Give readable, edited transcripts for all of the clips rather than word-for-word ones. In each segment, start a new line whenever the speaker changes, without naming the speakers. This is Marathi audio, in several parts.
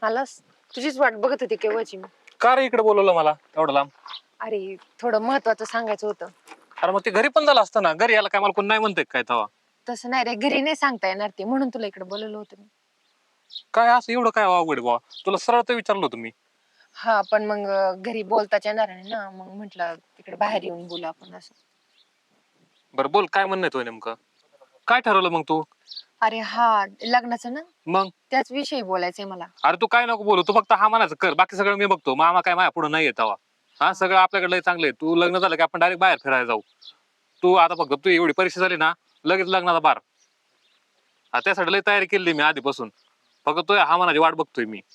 आलास? तुझीच वाट बघत होती केव्हाची मी.
का रे इकडे बोलवलं मला एवढं लांब?
अरे थोडं महत्वाचं सांगायचं होतं.
अरे मग ते घरी पण झालं असतं ना. घरी याला काय मला कोण नाही म्हणतंय काय तवा?
तसं नाही रे, घरी नाही सांगता येणार ते, म्हणून तुला इकडे बोलवलं होतं मी.
काय असं एवढं काय अवघड आहे बाबा? तुला सरळ तर विचारलं होतं मी.
हा पण मग घरी बोलताच येणार नाही ना, मग म्हटलं तिकडे बाहेर येऊन बोलू आपण असं.
बरं बोल, काय म्हणणं आहे तुझं नेमकं? काय ठरवलं मग तू?
अरे हा, लग्नाचं ना,
मग
त्याच विषयी बोलायचंय मला.
अरे तू काय नको बोलू, तू फक्त हा म्हणायचं कर, बाकी सगळं मी बघतो. मामा काय माझ्या पुढे नाही येतावा. हा सगळं आपल्याकडे लय चांगलं आहे. तू लग्न झालं की आपण डायरेक्ट बाहेर फिरायला जाऊ. तू आता फक्त तू एवढी परीक्षा झाली ना, लगेच लग्नाचा बार. हा त्यासाठी लय तयारी केली मी आधीपासून. फक्त तू हा म्हणाची वाट बघतोय मी.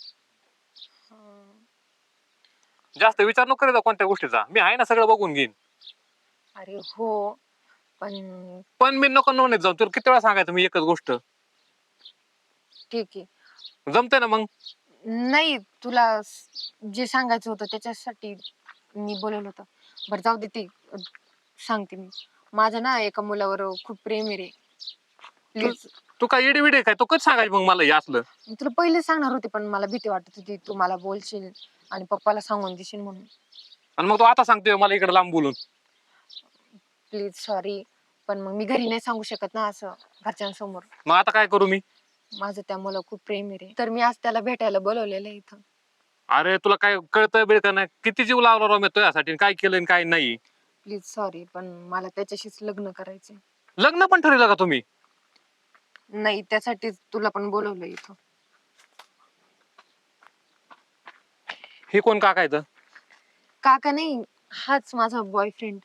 जास्त विचार नको करीत कोणत्या गोष्टीचा. मी आहे ना, सगळं बघून घेईन.
अरे हो, पण
पण मी नको नवनीत जाऊ. तुला किती वेळा सांगायचं मी एकच गोष्ट.
ठीक आहे.
जमते ना मग?
नाही, तुला जे सांगायचं होतं त्याच्यासाठी मी बोलवलं होतं. बरं जाऊ दे ते, सांगते मी. माझं ना एका मुलावर खूप प्रेम आहे रे. प्लीज.
तू काय इडी विडी काय? तू कधी सांगायचं मग मला हे असलं?
मी तुला पहिले सांगणार होते, पण मला भीती वाटत होती तू मला बोलशील आणि पप्पाला सांगून देशील म्हणून.
आणि मग तू आता सांगतोय मला इकडे लांब बोलून?
प्लीज सॉरी, पण मग मी घरी नाही सांगू शकत ना असं घरच्यांसमोर.
मग आता काय करू मी?
माझं त्या मुलं खूप प्रेम आहे रे, तर मी आज त्याला भेटायला बोलवलेलं आहे इथं.
अरे तुला काय कळतं बिळतं नाही? किती जीव लावला राव मी तुझ्यासाठी, काय केलं आणि काय नाही.
प्लीज सॉरी, पण मला त्याच्याशीच लग्न करायचंय.
लग्न पण ठरवलं का तुम्ही?
नाही, त्यासाठीच तुला पण बोलवलं इथं.
हे कोण काकायचं?
काका नाही, हाच माझा बॉयफ्रेंड.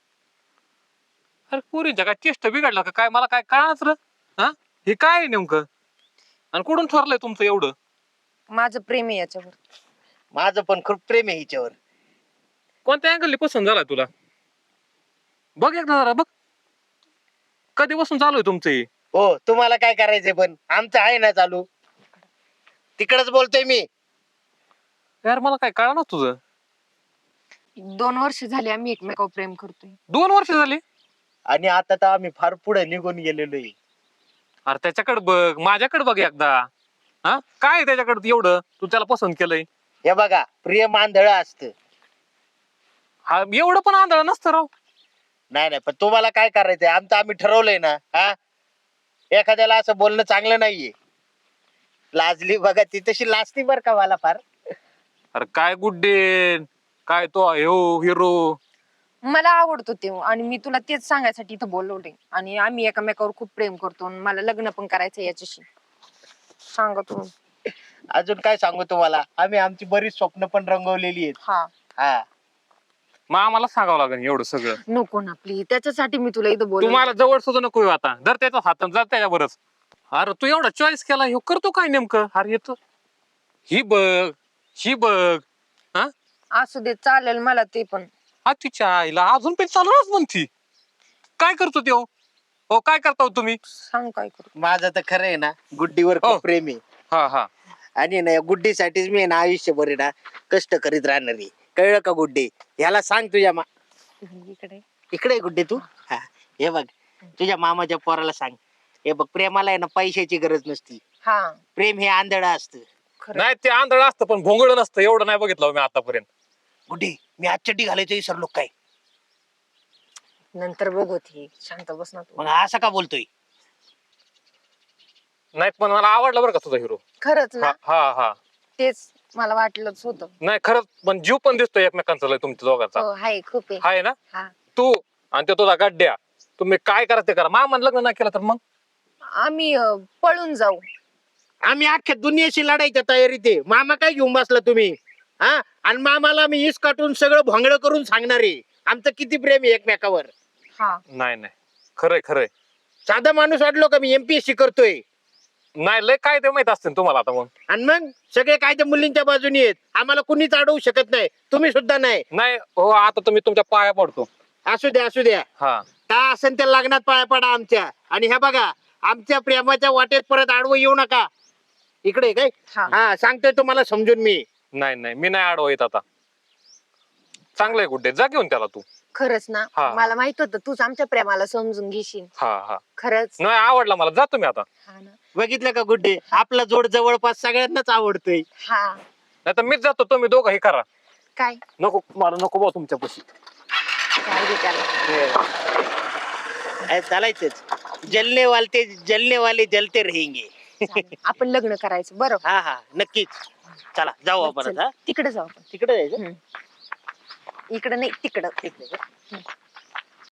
अरे पुरीच्या काय चेष्ट बिघडला का काय? मला काय कळाच र. हा हे काय आहे नेमकं? आणि कुठून ठरलंय तुमचं एवढं?
माझं प्रेम आहे याच्यावर.
माझं पण खूप प्रेम आहे हिच्यावर.
कोणत्या अँगलने पसंत झाला तुला? बघ एकदा जरा बघ. कधीपासून चालू आहे तुमचं हे?
हो, तुम्हाला काय करायचंय पण आमचं आहे ना चालू. तिकडच बोलतोय मी.
यार मला काय कळणार तुझं.
2 वर्ष झाली आम्ही एकमेकावर प्रेम करतोय.
2 वर्ष झाली?
आणि आता तर आम्ही फार पुढे निघून गेलेलो आहे.
अरे त्याच्याकडे बघ, माझ्याकडे बघ एकदा. हा काय आहे त्याच्याकडे एवढं तू त्याला पसंत केलंय?
हे बघा, प्रेम आंधळ असतं.
हा एवढं पण आंधळ नसतं राव.
नाही नाही, पण तुम्हाला काय करायचंय आमचं आम्ही ठरवलंय ना. हा एखाद्याला असं बोलणं चांगलं नाहीये. लाजली बघा, ती तशी लाजती बर का मला फार.
अरे काय गुड्डे, काय तो हिरो.
मला आवडतो ते, आणि मी तुला तेच सांगायसाठी इथं बोलवले. आणि आम्ही एकमेकावर खूप प्रेम करतो आणि मला लग्न पण करायचं याच्याशी. सांगा तू.
अजून काय सांगू तुम्हाला, आम्ही आमची बरीच स्वप्न पण रंगवलेली आहेत.
हा
हा
मग आम्हाला सांगावं लागेल एवढं सगळं.
नको ना प्लीज, त्याच्यासाठी मी तुला इथं बोलवलं.
तुम्हाला जवळ सुद्धा नको येऊ आता. जर त्याचा हात जर त्याच्यावरच. अरे तू एवढा चॉईस केला, हे करतो काय नेमकं? अरे येतो ही बघ, ही बघ. हा
असू दे, चालेल मला ते पण.
हा तिच्या आईला अजून पण चालूच म्हणती. काय करतो ते? हो काय करता हो तुम्ही?
सांग काय करू.
माझं तर खरं आहे ना, गुड्डीवर
हो.
खूप प्रेम आहे.
हा हा
आणि ना या गुड्डीसाठीच मी आहे ना आयुष्यभर आहे ना कष्ट करीत राहणार आहे. कळलं का गुड्डी? ह्याला सांग तुझ्या
इकडे.
इकडे आहे गुड्डी तू. हा हे बघ, तुझ्या मामाच्या पोराला सांग. हे बघ, प्रेमाला आहे ना पैशाची गरज नसती.
हा
प्रेम हे आंधळ असतं.
खरं.
नाही ते आंधळ असतं पण भोंगळ नसतं. एवढं नाही बघितलं हो मी आतापर्यंत.
गुड्डी, मी आज चड्डी घालायचं विसरलो काय?
नंतर बघू, ती शांत बस ना तू.
मग असं का बोलतोय?
नाही पण मला आवडला बरं का तुझा हिरो.
खरंच
हा
ना,
हा हा
तेच मला वाटलंच होतं.
नाही खरंच, पण जीव पण दिसतोय एकमेकांचा लय तुमच्या दोघांचा.
हो हाय, खूप आहे.
आहे ना?
हा,
तू आणि ते तुझा गड्ड्या, तुम्ही काय करा ते करा. मामान लग्न नाही केलं तर मग
आम्ही पळून जाऊ.
आम्ही अख्ख्या दुनियेशी लढायच्या तयारीत आहे. मामा काय घेऊन बसला तुम्ही? हा, आणि मामाला मी इस काटून सगळं भोंगळ करून सांगणार आहे आमचं किती प्रेम आहे एकमेकावर.
हा
नाही नाही खरंय खरंय.
साधा माणूस वाटलो का मी MPSC करतोय?
नाही लय काय ते माहित असते तुम्हाला आता मग.
आणि मग सगळे काय ते मुलींच्या बाजूनी आहेत. आम्हाला कुणीच अडवू शकत नाही, तुम्ही सुद्धा नाही.
नाही हो, आता तुम्ही तुमच्या पाया पडतो.
असू द्या असू द्या,
हा
काय असेल त्या लग्नात पाया पडा आमच्या. आणि ह्या बघा, आमच्या प्रेमाच्या वाटेत परत आडवं येऊ नका. इकडे काय
हा.
हा सांगतोय तुम्हाला समजून मी.
नाही नाही मी नाही आडवा येत आता. चांगलं आहे गुड्डे, जा घेऊन त्याला तू.
खरंच ना,
हा.
मला माहित होतं तूच आमच्या प्रेमाला समजून घेशील.
हा हा,
खरंच.
नाही आवडला मला, जा तुम्ही आता.
हा ना.
बघितलं का गुड्डे, आपला जोड जवळपास सगळ्यांनाच आवडतोय.
हा.
नाही तर मीच जातो, तुम्ही दोघं हे करा.
काय
नको मला, नको भाऊ तुमच्यापाशी.
काय दे त्याला.
चालायचंच, जलने वाले जलते रहेंगे.
चालेल. आपण लग्न करायचं बरं.
हा हा नक्कीच. चला जाऊ आपण
चल,
आता.
तिकडे जाऊ आपण.
तिकडे जायचं.
इकडे नाही, तिकडं.
ठीक आहे.